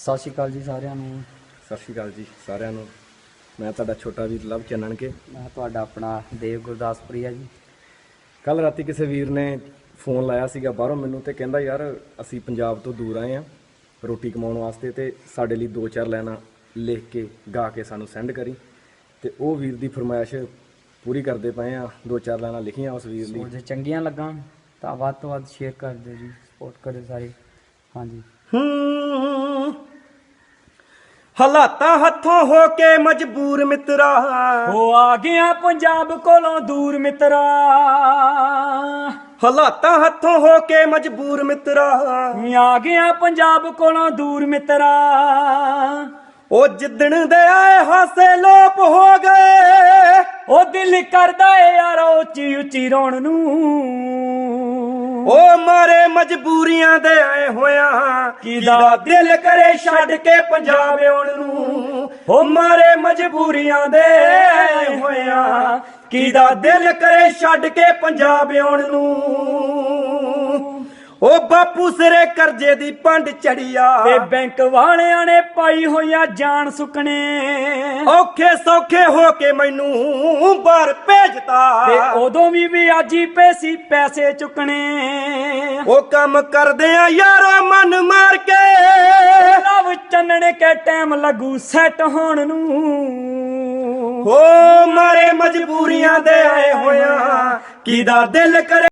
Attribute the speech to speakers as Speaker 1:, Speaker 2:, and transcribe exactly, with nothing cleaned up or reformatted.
Speaker 1: ਸਤਿ ਸ਼੍ਰੀ ਅਕਾਲ ਜੀ ਸਾਰਿਆਂ ਨੂੰ।
Speaker 2: ਸਤਿ ਸ਼੍ਰੀ ਅਕਾਲ ਜੀ ਸਾਰਿਆਂ ਨੂੰ। ਮੈਂ ਤੁਹਾਡਾ ਛੋਟਾ ਵੀਰ ਲਵ ਚੰਨਣ ਕੇ।
Speaker 1: ਮੈਂ ਤੁਹਾਡਾ ਆਪਣਾ ਦੇਵ ਗੁਰਦਾਸਪੁਰੀਆ ਜੀ।
Speaker 2: ਕੱਲ ਰਾਤੀ ਕਿਸੇ ਵੀਰ ਨੇ ਫੋਨ ਲਾਇਆ ਸੀਗਾ ਬਾਹਰੋਂ ਮੈਨੂੰ ਤੇ ਕਹਿੰਦਾ ਯਾਰ ਅਸੀਂ ਪੰਜਾਬ ਤੋਂ ਦੂਰ ਆਏ ਆ ਰੋਟੀ ਕਮਾਉਣ ਵਾਸਤੇ ਤੇ ਸਾਡੇ ਲਈ ਦੋ ਚਾਰ ਲਾਈਨਾਂ ਲਿਖ ਕੇ ਗਾ ਕੇ ਸਾਨੂੰ ਸੈਂਡ ਕਰੀ। ਤੇ ਉਹ ਵੀਰ ਦੀ ਫਰਮਾਇਸ਼ ਪੂਰੀ ਕਰਦੇ ਪਏ ਆ। ਦੋ ਚਾਰ ਲਾਈਨਾਂ ਲਿਖੀਆਂ ਉਸ ਵੀਰ ਲਈ।
Speaker 1: ਜੇ ਚੰਗੀਆਂ ਲੱਗਾਂ ਤਾਂ ਵੱਧ ਤੋਂ ਵੱਧ ਸ਼ੇਅਰ ਕਰ ਦਿਓ ਜੀ, ਸਪੋਰਟ ਕਰਿਓ ਸਾਰੇ। ਹਾਂਜੀ।
Speaker 2: ਹੂੰ ਹਾਲਾਤਾਂ ਹੱਥੋਂ ਹੋ ਕੇ ਮਜਬੂਰ ਮਿੱਤਰਾ,
Speaker 1: ਹੋ ਆ ਗਿਆ ਪੰਜਾਬ ਕੋਲੋਂ ਦੂਰ ਮਿੱਤਰਾ।
Speaker 2: ਹਾਲਾਤਾਂ ਹੱਥੋਂ ਹੋ ਕੇ ਮਜਬੂਰ ਮਿੱਤਰਾ,
Speaker 1: ਆ ਗਿਆ ਪੰਜਾਬ ਕੋਲੋਂ ਦੂਰ ਮਿੱਤਰਾ।
Speaker 2: ਉਹ ਜਿੱਦਣ ਦੇ ਆਏ ਹਾਸੇ ਲੋਪ ਹੋ ਗਏ,
Speaker 1: ਉਹ ਦਿਲ ਕਰਦਾ ਏ ਯਾਰ ਉੱਚੀ ਉੱਚੀ ਰੋਣ ਨੂੰ।
Speaker 2: ਉਹ ਮਾਰੇ ਮਜਬੂਰੀਆਂ ਦੇ ਆਏ ਹੋਇਆ,
Speaker 1: ਕਿਦਾ
Speaker 2: ਦਿਲ ਕਰੇ ਛੱਡ ਕੇ ਪੰਜਾਬ ਆਉਣ ਨੂੰ।
Speaker 1: ਉਹ ਮਾਰੇ ਮਜਬੂਰੀਆਂ ਦੇ ਆਏ ਹੋਇਆ,
Speaker 2: ਕਿਦਾ ਦਿਲ ਕਰੇ ਛੱਡ ਕੇ ਪੰਜਾਬ ਆਉਣ ਨੂੰ। ਉਹ ਬਾਪੂ ਸਿਰੇ ਕਰਜ਼ੇ ਦੀ ਪੰਡ ਚੜੀਆ,
Speaker 1: ਤੇ ਬੈਂਕ ਵਾਲਿਆਂ ਨੇ ਪਾਈ ਹੋਈਆ ਜਾਨ ਸੁਕਣੇ।
Speaker 2: ਔਖੇ ਸੌਖੇ ਹੋ ਕੇ ਮੈਨੂੰ ਬਾਹਰ ਭੇਜਤਾ,
Speaker 1: ਤੇ ਉਦੋਂ ਵੀ ਵਿਆਜੀ ਪੈਸੀ ਪੈਸੇ ਚੁੱਕਣੇ।
Speaker 2: ਉਹ ਕੰਮ ਕਰਦੇ ਆ ਯਾਰੋ ਮਨ ਮਾਰ ਕੇ,
Speaker 1: ਲਵ ਚੰਨਣ ਕੇ ਟਾਈਮ ਲੱਗੂ ਸੈੱਟ ਹੋਣ ਨੂੰ।
Speaker 2: ਹੋ ਮਾਰੇ ਮਜਬੂਰੀਆਂ ਦੇ ਆਏ ਹੋਇਆ, ਕਿਦਾ ਦਿਲ ਕਰੇ